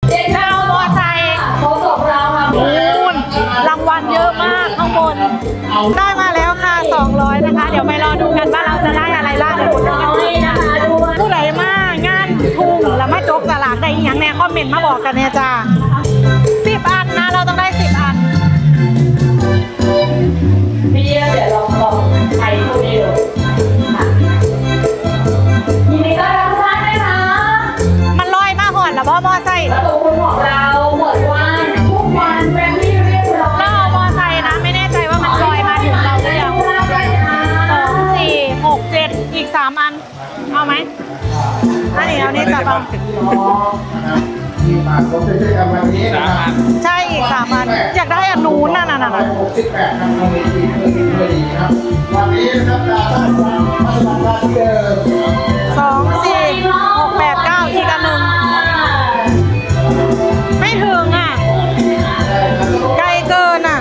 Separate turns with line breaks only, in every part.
จะเอามอไซค์เขาบอกเราค่ะคุณรางวัลเยอะมากข้างบนได้มาแล้วค่ะ200นะคะเดี๋ยวไปรอดูกันว่าเราจะได้อะไรบ้างเดี๋ยวคุณนะคะผู้ใดมางานทุ่งแล้วมาจกสลากได้ยังแน่คอมเมนต์มาบอกกันเนี่ยจ้า10 อันนะเราต้องได้10 อันพี่เดี๋ยวลองใช้ตัวนี้ดูยินดีต้อนรับทุกท่านด้วยนะมันลอยมาหอดแล้วพ่อมอไซค์ประตูคุณของเราหมดวันทุกวันเป็นที่เรียบร้อยแล้วเอามอไซค์นะไม่แน่ใจว่ามันลอยมาถึงเราหรือยัง2 4 6 7อีก3 อันเอาไหมอันนี้เอานี่จับเอาใช่อีก3 อันอยากได้อันนู้นน่ะ68ครับวันนี้นะครับ2 4 6 8 9อีกอันหนึ่งไม่ถึงอ่ะไกลเกินอ่ะ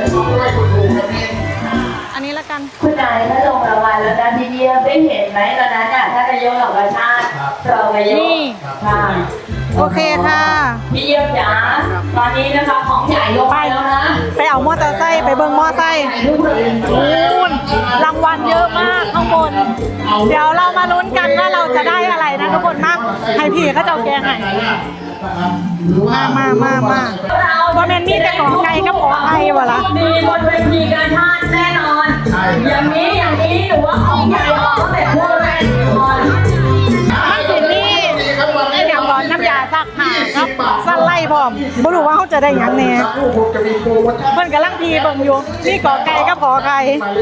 อันนี้ละกัน
คุณนายถ้าลงรางวัลแล้วนะพี่เยี่ยมได้เห็นไหมตอนนั้นน่ะถ้านายกเหล่ากาชาติเรานายกค่ะ
โอเคค่ะ
พี่เยี่ยมจ๋าตอนนี้นะคะของใหญ่ลงไปแล้วนะ
ไปเอามอเตอร์ไซค์ไปเบิ้งมอไซค์คุณรางวัลเยอะมากข้างบนเดี๋ยวเรามาลุ้นกันว่าเราจะได้อะไรนะทุกคนมาให้พี่เขาเจ้าแกงให้มาว่าแมนมีแต่ของไก่กับของไทยวะล่ะ
มีบนเวทีการชาติแน่นอนอย่างนี้หนูว่าของใหญ่ของแบบพวกแรงคน
มันสินี่ไอ้อย่างร้อนน้ำยาซักผ้าครับสั้นไล่พร้อมบ่รู้ว่าเขาจะได้ยังแน่เพิ่นกำลังพีเบิ่งอยู่นี่กอไก่กับขอไก่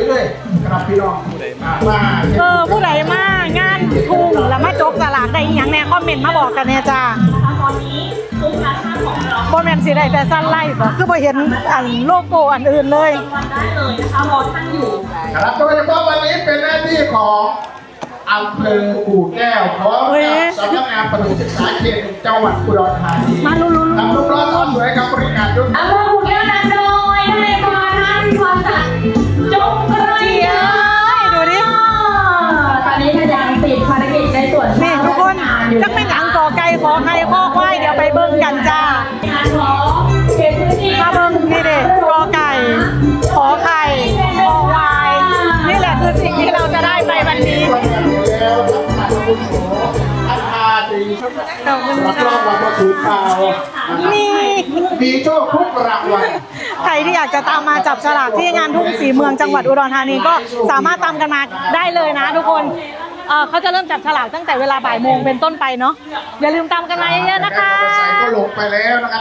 ผู้ใดมางานทุ่งแล้วมาจกสลากได้ยังแน่คอมเมนต์มาบอกกันเนี่ยจ้า
ตอนนี้ทุกร้านของเรา
บ่แม่นสิได้แต่สั้นไล่บ่คือบ่เห็นอันโลโก้อันอื่นเลย
วันได้เลยนะคะรอท่านอยู่
ครับโดยเฉพาะวันนี้เป็นหน้าที่ของอำเภอกู่แก้วพร้อมกับสำนักงานประถมศึกษาเขตจังหวัดอุดรธานี
มาลุ้น
ทำลูกล้อสอนสวยกับบริการยุ่ง
อำเภอกู่แก้วนำโดยนายกรท่านความสัตย์จงกระเจีย
ดูดิ
ตอนนี้ก็ยังติดภารกิจในส่วน
นี่ทุกคนจักเป็นหยังกอไก่ขอไข่ข้อควายเดี๋ยวไปเบิ่งกันจ้ามาเบิ่งนี่เด็กกอไก่ขอไข่คอควายนี่แหละคือสิ่งที่เราจะได้ไปวันนี้ขอบคุณค่ะ
มีโชคทุกรางวัล
ใครที่อยากจะตามมาจับฉลากที่งานทุ่งศรีเมืองจังหวัดอุดรธานีก็สามารถตามกันมาได้เลยนะทุกคนเขาจะเริ่มจับฉลากตั้งแต่เวลาบ่ายโมงเป็นต้นไปเนาะอย่าลืมตามกันมาเยอะๆนะคะ
ก็ลงไปแล้วนะครับ